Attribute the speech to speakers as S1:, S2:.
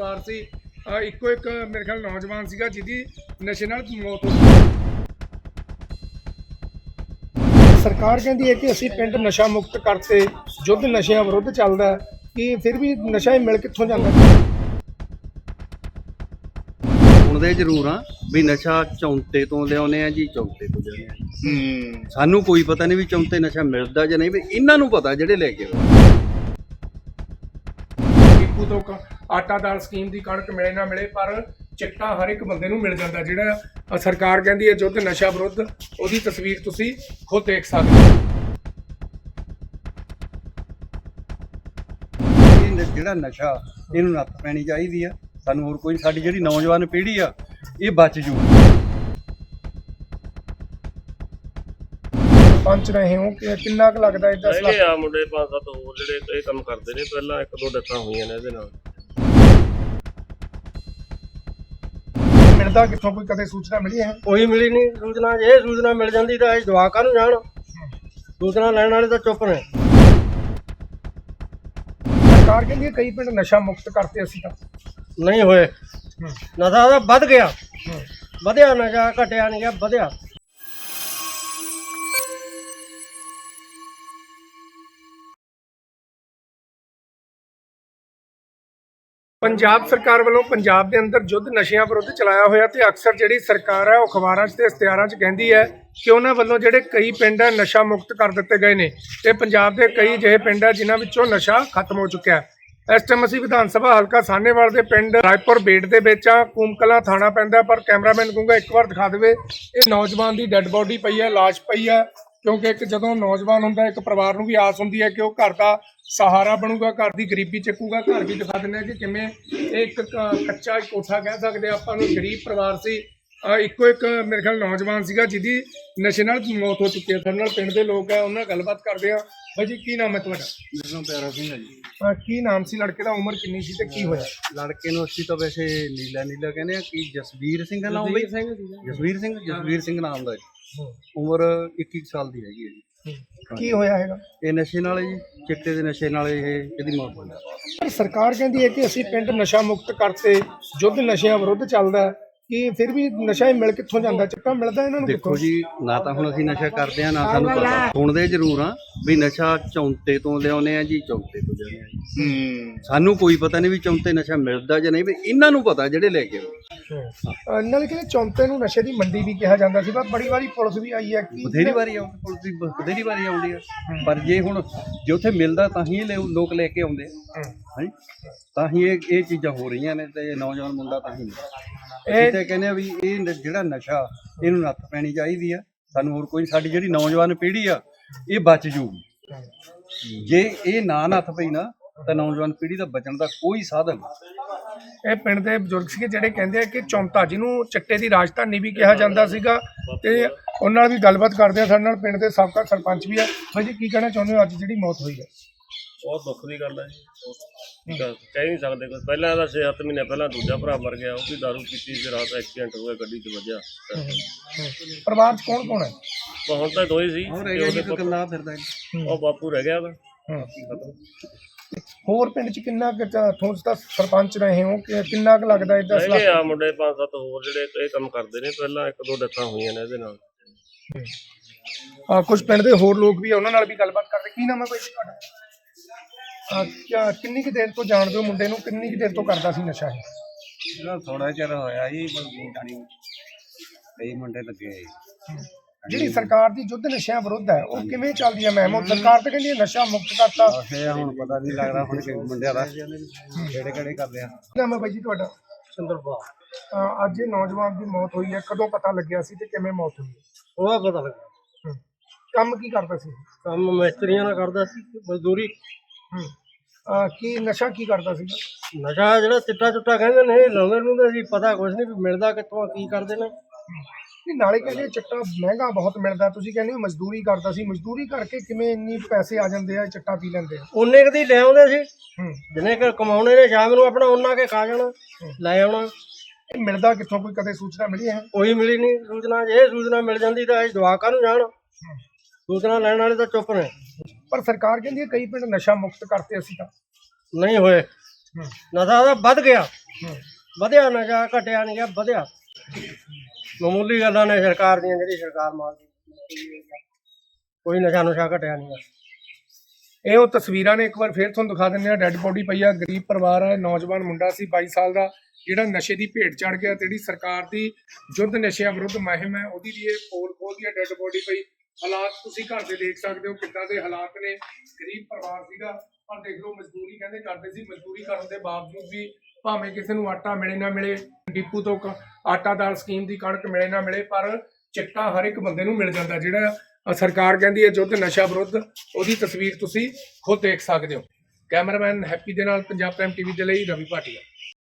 S1: ਪਰਿਵਾਰ ਸੀ। ਇੱਕੋ ਇੱਕ ਮੇਰੇ ਖਿਆਲ ਨੌਜਵਾਨ ਸੀਗਾ ਜਿਹਦੀ ਨਸ਼ੇ ਨਾਲ ਮੌਤ ਹੋ ਗਈ। ਸਰਕਾਰ ਕਹਿੰਦੀ ਹੈ ਕਿ ਅਸੀਂ ਪਿੰਡ ਨਸ਼ਾ ਮੁਕਤ ਕਰਤੇ, ਯੁੱਧ ਨਸ਼ਿਆਂ ਵਿਰੁੱਧ ਚੱਲਦਾ ਹੈ, ਕਿ ਫਿਰ ਵੀ ਨਸ਼ਾ ਹੀ ਮਿਲ ਕਿੱਥੋਂ ਜਾਂਦਾ?
S2: ਸੁਣਦੇ ਜ਼ਰੂਰ ਆ ਵੀ ਨਸ਼ਾ ਚੌਂਤੇ ਤੋਂ ਲਿਆਉਂਦੇ ਆ ਜੀ, ਚੌਂਤੇ ਤੋਂ ਲਿਆਉਂਦੇ ਆ। ਸਾਨੂੰ ਕੋਈ ਪਤਾ ਨਹੀਂ ਵੀ ਚੌਂਤੇ ਨਸ਼ਾ ਮਿਲਦਾ ਜਾਂ ਨਹੀਂ, ਵੀ ਇਹਨਾਂ ਨੂੰ ਪਤਾ ਜਿਹੜੇ ਲੈ ਕੇ
S1: ਡਿਪੂ ਤੋਂ ਆਟਾ ਦਾਲ ਸਕੀਮ ਦੀ ਕਣਕ ਮਿਲੇ ਨਾ ਮਿਲੇ, ਪਰ ਚਿੱਟਾ ਹਰ ਇੱਕ ਬੰਦੇ ਨੂੰ ਮਿਲ ਜਾਂਦਾ। ਜਿਹੜਾ ਸਰਕਾਰ ਕਹਿੰਦੀ ਹੈ ਯੁੱਧ ਨਸ਼ਾ ਵਿਰੁੱਧ, ਉਹਦੀ ਤਸਵੀਰ ਤੁਸੀਂ ਖੁਦ ਦੇਖ ਸਕਦੇ ਹੋ।
S2: ਜਿਹੜਾ ਨਸ਼ਾ ਇਹਨੂੰ ਨੱਥ ਪੈਣੀ ਚਾਹੀਦੀ ਆ। ਸਾਨੂੰ ਹੋਰ ਕੋਈ, ਸਾਡੀ ਜਿਹੜੀ ਨੌਜਵਾਨ ਪੀੜ੍ਹੀ ਆ ਇਹ ਬਚ ਜੂ।
S1: ਪੰਚ ਰਹੇ ਹੋ ਕਿ ਕਿੰਨਾ ਕੁ ਲੱਗਦਾ ਇਹ 10 ਲੱਖ?
S3: ਆ ਮੁੰਡੇ 5-7 ਹੋਰ ਜਿਹੜੇ ਇਹ ਕੰਮ ਕਰਦੇ ਨੇ। ਪਹਿਲਾਂ 1-2 ਡੈਥਾਂ ਹੋਈਆਂ ਨੇ ਇਹਦੇ ਨਾਲ।
S1: ਮਿਲਦਾ ਕਿੱਥੋਂ, ਕੋਈ ਕਦੇ ਸੂਚਨਾ ਮਿਲੀ ਹੈ?
S4: ਕੋਈ ਮਿਲੀ ਨਹੀਂ ਸੂਚਨਾ। ਜੇ ਸੂਚਨਾ ਮਿਲ ਜਾਂਦੀ ਤਾਂ ਇਹ ਜਵਾਕਾਂ ਨੂੰ ਜਾਣ, ਸੂਚਨਾ ਲੈਣ ਵਾਲੇ ਤਾਂ ਚੁੱਪ ਨੇ।
S1: ਸਰਕਾਰ ਕਹਿੰਦੀ ਹੈ ਕਈ ਪਿੰਡ ਨਸ਼ਾ ਮੁਕਤ ਕਰਤੇ ਅਸੀਂ ਤਾਂ।
S4: ਨਹੀਂ ਹੋਏ। ਨਸ਼ਾ ਤਾਂ ਵੱਧ ਗਿਆ, ਵਧਿਆ ਨਸ਼ਾ, ਘਟਿਆ ਨਹੀਂ ਗਿਆ, ਵਧਿਆ।
S1: ਪੰਜਾਬ ਸਰਕਾਰ ਵੱਲੋਂ ਪੰਜਾਬ ਦੇ ਅੰਦਰ ਯੁੱਧ ਨਸ਼ਿਆਂ ਵਿਰੁੱਧ ਚਲਾਇਆ ਹੋਇਆ, ਤੇ ਅਕਸਰ ਜਿਹੜੀ ਸਰਕਾਰ ਹੈ ਉਹ ਅਖਬਾਰਾਂ 'ਚ ਤੇ ਇਸ਼ਤਿਹਾਰਾਂ 'ਚ ਕਹਿੰਦੀ ਹੈ ਕਿ ਉਹਨਾਂ ਵੱਲੋਂ ਜਿਹੜੇ ਕਈ ਪਿੰਡ ਹੈ ਨਸ਼ਾ ਮੁਕਤ ਕਰ ਦਿੱਤੇ ਗਏ ਨੇ, ਤੇ ਪੰਜਾਬ ਦੇ ਕਈ ਅਜਿਹੇ ਪਿੰਡ ਹੈ ਜਿਨ੍ਹਾਂ ਵਿੱਚੋਂ ਨਸ਼ਾ ਖਤਮ ਹੋ ਚੁੱਕਿਆ ਹੈ। ਇਸ ਟਾਈਮ ਅਸੀਂ ਵਿਧਾਨ ਸਭਾ ਹਲਕਾ ਸਾਹਨੇਵਾਲ ਦੇ ਪਿੰਡ ਰਾਏਪੁਰ ਬੇਟ ਦੇ ਵਿੱਚ ਆ। ਕੂਮਕਲਾਂ ਥਾਣਾ ਪੈਂਦਾ, ਪਰ ਕੈਮਰਾਮੈਨ ਕਹੂੰਗਾ ਇੱਕ ਵਾਰ ਦਿਖਾ ਦੇਵੇ। ਇਹ ਨੌਜਵਾਨ ਦੀ ਡੈੱਡ ਬੋਡੀ ਪਈ ਹੈ, ਲਾਸ਼ ਪਈ ਹੈ, ਕਿਉਂਕਿ ਇੱਕ ਜਦੋਂ ਨੌਜਵਾਨ ਹੁੰਦਾ ਇੱਕ ਪਰਿਵਾਰ ਨੂੰ ਵੀ ਆਸ ਹੁੰਦੀ ਹੈ ਕਿ ਉਹ ਘਰ ਦਾ ਸਹਾਰਾ ਬਣੂਗਾ, ਘਰ ਦੀ ਗਰੀਬੀ ਚੱਕੂਗਾ। ਘਰ ਵੀ ਦਿਖਾ ਦਿੰਦੇ ਆ ਕਿ ਕਿਵੇਂ ਇਹ ਇੱਕ ਕੱਚਾ ਕੋਠਾ ਕਹਿ ਸਕਦੇ ਆਪਾਂ ਨੂੰ, ਗਰੀਬ ਪਰਿਵਾਰ ਸੀ। ਇੱਕੋ ਇੱਕ ਮੇਰੇ ਖਿਆਲ ਨੌਜਵਾਨ ਸੀਗਾ ਜਿਹਦੀ ਨਸ਼ੇ ਨਾਲ ਮੌਤ ਹੋ ਚੁੱਕੀ ਹੈ। ਸਾਡੇ ਨਾਲ ਪਿੰਡ ਦੇ ਲੋਕ ਹੈ, ਉਹਨਾਂ ਨਾਲ ਗੱਲਬਾਤ ਕਰਦੇ ਆ। ਬਾਈ ਜੀ, ਕੀ ਨਾਮ ਹੈ ਤੁਹਾਡਾ?
S2: ਮੇਰਾ ਨਾਮ ਪਿਆਰਾ ਸਿੰਘ ਹੈ ਜੀ।
S1: ਕੀ ਨਾਮ ਸੀ ਲੜਕੇ ਦਾ, ਉਮਰ ਕਿੰਨੀ ਸੀ ਤੇ ਕੀ ਹੋਇਆ?
S2: ਲੜਕੇ ਨੂੰ ਅਸੀਂ ਤਾਂ ਵੈਸੇ ਨੀਲਾ ਕਹਿੰਦੇ ਆ। ਕੀ ਜਸਵੀਰ ਸਿੰਘ ਦਾ ਨਾਮ ਬਈ? ਜਸਵੀਰ ਸਿੰਘ ਨਾਮ ਦਾ ਜੀ। ਉਮਰ 21 ਸਾਲ ਦੀ ਹੈਗੀ ਹੈ ਜੀ।
S1: ਕੀ ਹੋਇਆ ਹੈਗਾ?
S2: ਇਹ ਨਸ਼ੇ ਨਾਲ ਜੀ, ਚਿੱਟੇ ਦੇ ਨਸ਼ੇ ਨਾਲ ਇਹਦੀ ਮੌਤ ਹੋਈ।
S1: ਪਰ ਸਰਕਾਰ ਕਹਿੰਦੀ ਹੈ ਕਿ ਅਸੀਂ ਪਿੰਡ ਨਸ਼ਾ ਮੁਕਤ ਕਰਤੇ, ਯੁੱਧ ਨਸ਼ਿਆਂ ਵਿਰੁੱਧ ਚੱਲਦਾ ਹੈ, ਕਿ ਫਿਰ ਵੀ ਨਸ਼ਾ ਹੀ ਮਿਲ ਕਿੱਥੋਂ ਜਾਂਦਾ? ਚਿੱਟਾ ਮਿਲਦਾ ਇਹਨਾਂ ਨੂੰ
S2: ਦੇਖੋ ਜੀ, ਨਾ ਤਾਂ ਹੁਣ ਅਸੀਂ ਨਸ਼ਾ ਕਰਦੇ ਆ, ਨਾ ਸਾਨੂੰ ਪਤਾ। ਸੁਣਦੇ ਜ਼ਰੂਰ ਆ ਵੀ ਨਸ਼ਾ ਚੌਂਤੇ ਤੋਂ ਲਿਆਉਂਦੇ ਆ ਜੀ, ਚੌਂਤੇ ਤੋਂ ਲਿਆਉਂਦੇ ਆ ਜੀ। ਸਾਨੂੰ ਕੋਈ ਪਤਾ ਨਹੀਂ ਵੀ ਚੌਂਤੇ ਨਸ਼ਾ ਮਿਲਦਾ ਜਾਂ ਨਹੀਂ, ਵੀ ਇਹਨਾਂ ਨੂੰ ਪਤਾ ਜਿਹੜੇ ਲੈ ਕੇ ਆਉਂਦੇ।
S1: ਨਾਲੇ ਕਹਿੰਦੇ ਚੌਂਤੇ ਨੂੰ ਨਸ਼ੇ ਦੀ ਮੰਡੀ ਵੀ ਕਿਹਾ ਜਾਂਦਾ ਸੀ, ਪਰ ਬੜੀ ਵਾਰੀ ਪੁਲਿਸ ਵੀ ਆਈ ਹੈ।
S2: ਬਥੇਰੀ ਵਾਰੀ ਆਉਂਦੀ ਪੁਲਿਸ ਦੀ, ਬਥੇਰੀ ਵਾਰੀ ਆਉਂਦੀ ਆ, ਪਰ ਜੇ ਹੁਣ ਜੇ ਉੱਥੇ ਮਿਲਦਾ ਤਾਂ ਹੀ ਲੋਕ ਲੈ ਕੇ ਆਉਂਦੇ ਆ। ਹਾਂਜੀ, ਤਾਂ ਹੀ ਇਹ ਚੀਜ਼ਾਂ ਹੋ ਰਹੀਆਂ ਨੇ, ਤੇ ਨੌਜਵਾਨ ਮੁੰਡਾ ਤਾਂ ਹੀ ਇਹ ਤੇ ਕਹਿੰਦੇ ਆ ਵੀ ਇਹ ਜਿਹੜਾ ਨਸ਼ਾ ਇਹਨੂੰ ਨੱਥ ਪੈਣੀ ਚਾਹੀਦੀ ਆ। ਸਾਨੂੰ ਹੋਰ ਕੋਈ, ਸਾਡੀ ਜਿਹੜੀ ਨੌਜਵਾਨ ਪੀੜ੍ਹੀ ਆ ਇਹ ਬਚ ਜੂਗੀ। ਜੇ ਇਹ ਨਾ ਨੱਥ ਪਈ ਨਾ, ਤਾਂ ਨੌਜਵਾਨ ਪੀੜ੍ਹੀ ਦਾ ਬਚਣ ਦਾ ਕੋਈ ਸਾਧਨ ਨਹੀਂ।
S1: ਇਹ ਪਿੰਡ ਦੇ ਬਜ਼ੁਰਗ ਸੀਗੇ ਜਿਹੜੇ ਕਹਿੰਦੇ ਆ ਕਿ ਚੌਂਤਾ, ਜਿਹਨੂੰ ਚਿੱਟੇ ਦੀ ਰਾਜਧਾਨੀ ਵੀ ਕਿਹਾ ਜਾਂਦਾ ਸੀਗਾ, ਤੇ ਉਹਨਾਂ ਨਾਲ ਵੀ ਗੱਲਬਾਤ ਕਰਦੇ ਆ। ਸਾਡੇ ਨਾਲ ਪਿੰਡ ਦੇ ਸਾਬਕਾ ਸਰਪੰਚ ਵੀ ਆ। ਬਾਈ ਜੀ, ਕੀ ਕਹਿਣਾ ਚਾਹੁੰਦੇ ਹੋ ਅੱਜ ਜਿਹੜੀ ਮੌਤ ਹੋਈ ਹੈ?
S3: ਬਹੁਤ ਦੁੱਖ ਦੀ ਗੱਲ ਹੈ ਜੀ। ਕਹਿ ਨਹੀਂ ਸਕਦੇ ਕੁਝ। ਪਹਿਲਾਂ ਇਹਦਾ 6-7 ਮਹੀਨੇ ਪਹਿਲਾਂ ਦੂਜਾ ਭਰਾ ਮਰ ਗਿਆ, ਉਹ ਵੀ ਦਾਰੂ ਪੀਤੀ ਸੀ, ਰਾਤ ਐਕਸੀਡੈਂਟ ਹੋ ਗਿਆ, ਗੱਡੀ 'ਚ ਵੱਜਿਆ।
S1: ਪਰਿਵਾਰ 'ਚ ਕੌਣ ਕੌਣ ਹੈ?
S3: ਹੁਣ ਤਾਂ ਦੋ ਹੀ ਸੀ।
S2: ਗੱਲਾਂ ਫਿਰਦਾ
S3: ਉਹ ਬਾਪੂ ਰਹਿ ਗਿਆ ਵਾ।
S1: ਹੋਰ ਪਿੰਡ 'ਚ ਕਿੰਨਾ ਕੁ ਤੁਸੀਂ ਤਾਂ ਸਰਪੰਚ ਰਹੇ ਹੋ, ਕਿ ਕਿੰਨਾ ਕੁ ਲੱਗਦਾ ਇਹ 10 ਲੱਖ?
S3: ਆ ਮੁੰਡੇ 5-7 ਹੋਰ ਜਿਹੜੇ ਇਹ ਕੰਮ ਕਰਦੇ ਨੇ। ਪਹਿਲਾਂ 1-2 ਡੈਥਾਂ ਹੋਈਆਂ ਨੇ ਇਹਦੇ ਨਾਲ।
S1: ਕੁਝ ਪਿੰਡ ਦੇ ਹੋਰ ਲੋਕ ਵੀ ਆ, ਉਹਨਾਂ ਨਾਲ ਵੀ ਗੱਲਬਾਤ ਕਰਦੇ। ਕੀ ਨਾਮ ਹੈ ਬਾਈ ਜੀ ਤੁਹਾਡਾ? ਕਿੰਨੀ ਕੁ ਦੇਰ ਤੋਂ ਜਾਣਦੇ ਹੋ ਮੁੰਡੇ ਨੂੰ? ਕਿੰਨੀ ਕੁ ਦੇਰ ਤੋਂ ਕਰਦਾ ਸੀ ਨਸ਼ਾ ਇਹ?
S2: ਥੋੜਾ ਚਿਰ ਹੋਇਆ ਜੀ, ਕਈ ਮੁੰਡੇ ਲੱਗੇ।
S1: ਜਿਹੜੀ ਸਰਕਾਰ ਦੀ ਯੁੱਧ ਨਸ਼ਿਆਂ ਵਿਰੁੱਧ ਹੈ, ਉਹ ਕਿਵੇਂ ਚੱਲਦੀ ਹੈ ਮੈਮ? ਸਰਕਾਰ ਤਾਂ ਕਹਿੰਦੀ ਹੈ ਨਸ਼ਾ ਮੁਕਤ ਕਰਤਾ।
S2: ਹੁਣ ਪਤਾ ਨਹੀਂ ਲੱਗਦਾ ਹੁਣ ਕਿ ਮੁੰਡਿਆਂ ਦਾ ਕਿਹੜੇ ਕਰਦੇ ਆ।
S1: ਕੀ ਨਾਮ ਹੈ ਬਾਈ ਜੀ ਤੁਹਾਡਾ?
S4: ਸਿੰਦਰਪਾਲ।
S1: ਅੱਜ ਇਹ ਨੌਜਵਾਨ ਦੀ ਮੌਤ ਹੋਈ ਹੈ, ਕਦੋਂ ਪਤਾ ਲੱਗਿਆ ਸੀ ਤੇ ਕਿਵੇਂ ਮੌਤ ਹੋਈ?
S4: ਉਹਦਾ ਪਤਾ ਲੱਗਾ।
S1: ਕੰਮ ਕੀ ਕਰਦਾ ਸੀ?
S4: ਕੰਮ ਮਿਸਤਰੀਆਂ ਨਾਲ ਕਰਦਾ ਸੀ, ਮਜ਼ਦੂਰੀ।
S1: ਕੀ ਨਸ਼ਾ ਕੀ ਕਰਦਾ ਸੀ?
S4: ਨਸ਼ਾ ਜਿਹੜਾ ਚਿੱਟਾ ਕਹਿੰਦੇ ਨੇ, ਲਾਉਂਦੇ ਨੂੰ ਅਸੀਂ ਪਤਾ ਕੁਛ ਨਹੀਂ ਵੀ ਮਿਲਦਾ ਕਿੱਥੋਂ, ਕੀ ਕਰਦੇ ਨੇ।
S1: ਨਾਲੇ ਕਹਿੰਦੇ ਚਿੱਟਾ ਮਹਿੰਗਾ ਬਹੁਤ ਮਿਲਦਾ, ਤੁਸੀਂ ਕਹਿੰਦੇ ਹੋ ਮਜ਼ਦੂਰੀ ਕਰਦਾ ਸੀ। ਮਜ਼ਦੂਰੀ ਕਰਕੇ ਕਿਵੇਂ ਇੰਨੀ ਪੈਸੇ ਆ ਜਾਂਦੇ ਆ, ਚਿੱਟਾ ਪੀ ਲੈਂਦੇ ਆ?
S4: ਉਨੇ ਕਦੀ ਲੈ ਆਉਂਦੇ ਸੀ, ਜਿੰਨੇ ਕੁ ਕਮਾਉਣੇ ਨੇ, ਸ਼ਾਮ ਨੂੰ ਆਪਣਾ ਉਹਨਾਂ ਕੇ ਖਾ ਜਾਣਾ, ਲੈ ਆਉਣਾ।
S1: ਇਹ ਮਿਲਦਾ ਕਿੱਥੋਂ, ਕੋਈ ਕਦੇ ਸੂਚਨਾ ਮਿਲੀ ਹੈ?
S4: ਕੋਈ ਮਿਲੀ ਨਹੀਂ ਸੂਚਨਾ। ਜੇ ਸੂਚਨਾ ਮਿਲ ਜਾਂਦੀ ਤਾਂ ਇਹ ਜਵਾਕਾਂ ਨੂੰ ਜਾਣ, ਸੂਚਨਾ ਲੈਣ ਵਾਲੇ ਤਾਂ ਚੁੱਪ ਨੇ।
S1: ਪਰ ਸਰਕਾਰ ਕਹਿੰਦੀ ਹੈ ਕਈ ਪਿੰਡ ਨਸ਼ਾ ਮੁਕਤ ਕਰਤੇ ਅਸੀਂ ਤਾਂ।
S4: ਨਹੀਂ ਹੋਏ। ਨਸ਼ਾ ਤਾਂ ਵੱਧ ਗਿਆ, ਵਧਿਆ ਨਸ਼ਾ, ਘਟਿਆ ਨਹੀਂ ਗਾ, ਵਧਿਆ। ਮਾਮੂਲੀ ਗੱਲਾਂ ਨੇ ਸਰਕਾਰ ਦੀਆਂ, ਜਿਹੜੀ ਸਰਕਾਰ ਮਾਰਦੀ, ਕੋਈ ਨਸ਼ਾ ਨੁਸ਼ਾ ਘਟਿਆ ਨਹੀਂ ਗਾ।
S1: ਇਹ ਉਹ ਤਸਵੀਰਾਂ ਨੇ, ਇੱਕ ਵਾਰ ਫੇਰ ਤੁਹਾਨੂੰ ਦਿਖਾ ਦਿੰਦੇ ਆ। ਡੈੱਡ ਬੋਡੀ ਪਈ ਆ, ਗਰੀਬ ਪਰਿਵਾਰ ਹੈ, ਨੌਜਵਾਨ ਮੁੰਡਾ ਸੀ 22 ਸਾਲ ਦਾ, ਜਿਹੜਾ ਨਸ਼ੇ ਦੀ ਭੇਟ ਚੜ ਗਿਆ। ਤੇ ਜਿਹੜੀ ਸਰਕਾਰ ਦੀ ਯੁੱਧ ਨਸ਼ਿਆਂ ਵਿਰੁੱਧ ਮੁਹਿੰਮ ਹੈ, ਉਹਦੀ ਵੀ ਇਹ ਪੋਲ ਖੋਲਦੀ ਹੈ। ਡੈੱਡ ਬੋਡੀ ਪਈ, ਹਾਲਾਤ ਤੁਸੀਂ ਘਰ ਦੇ ਦੇਖ ਸਕਦੇ ਹੋ ਕਿੱਦਾਂ ਦੇ ਹਾਲਾਤ ਨੇ। ਗਰੀਬ ਪਰਿਵਾਰ ਸੀਗਾ, ਪਰ ਦੇਖ ਲਓ ਮਜ਼ਦੂਰੀ ਕਹਿੰਦੇ ਕਰਦੇ ਸੀ। ਮਜ਼ਦੂਰੀ ਕਰਨ ਦੇ ਬਾਵਜੂਦ ਵੀ ਭਾਵੇਂ ਕਿਸੇ ਨੂੰ ਆਟਾ ਮਿਲੇ ਨਾ ਮਿਲੇ, ਡਿਪੂ ਤੋਂ ਆਟਾ ਦਾਲ ਸਕੀਮ ਦੀ ਕਣਕ ਮਿਲੇ ਨਾ ਮਿਲੇ, ਪਰ ਚਿੱਟਾ ਹਰ ਇੱਕ ਬੰਦੇ ਨੂੰ ਮਿਲ ਜਾਂਦਾ। ਜਿਹੜਾ ਸਰਕਾਰ ਕਹਿੰਦੀ ਹੈ ਯੁੱਧ ਨਸ਼ਾ ਵਿਰੁੱਧ, ਉਹਦੀ ਤਸਵੀਰ ਤੁਸੀਂ ਖੁਦ ਦੇਖ ਸਕਦੇ ਹੋ। ਕੈਮਰਾਮੈਨ ਹੈਪੀ ਦੇ ਨਾਲ ਪੰਜਾਬ ਪ੍ਰਾਈਮ ਟੀਵੀ ਦੇ ਲਈ ਰਵੀ ਭਾਟੀਆ।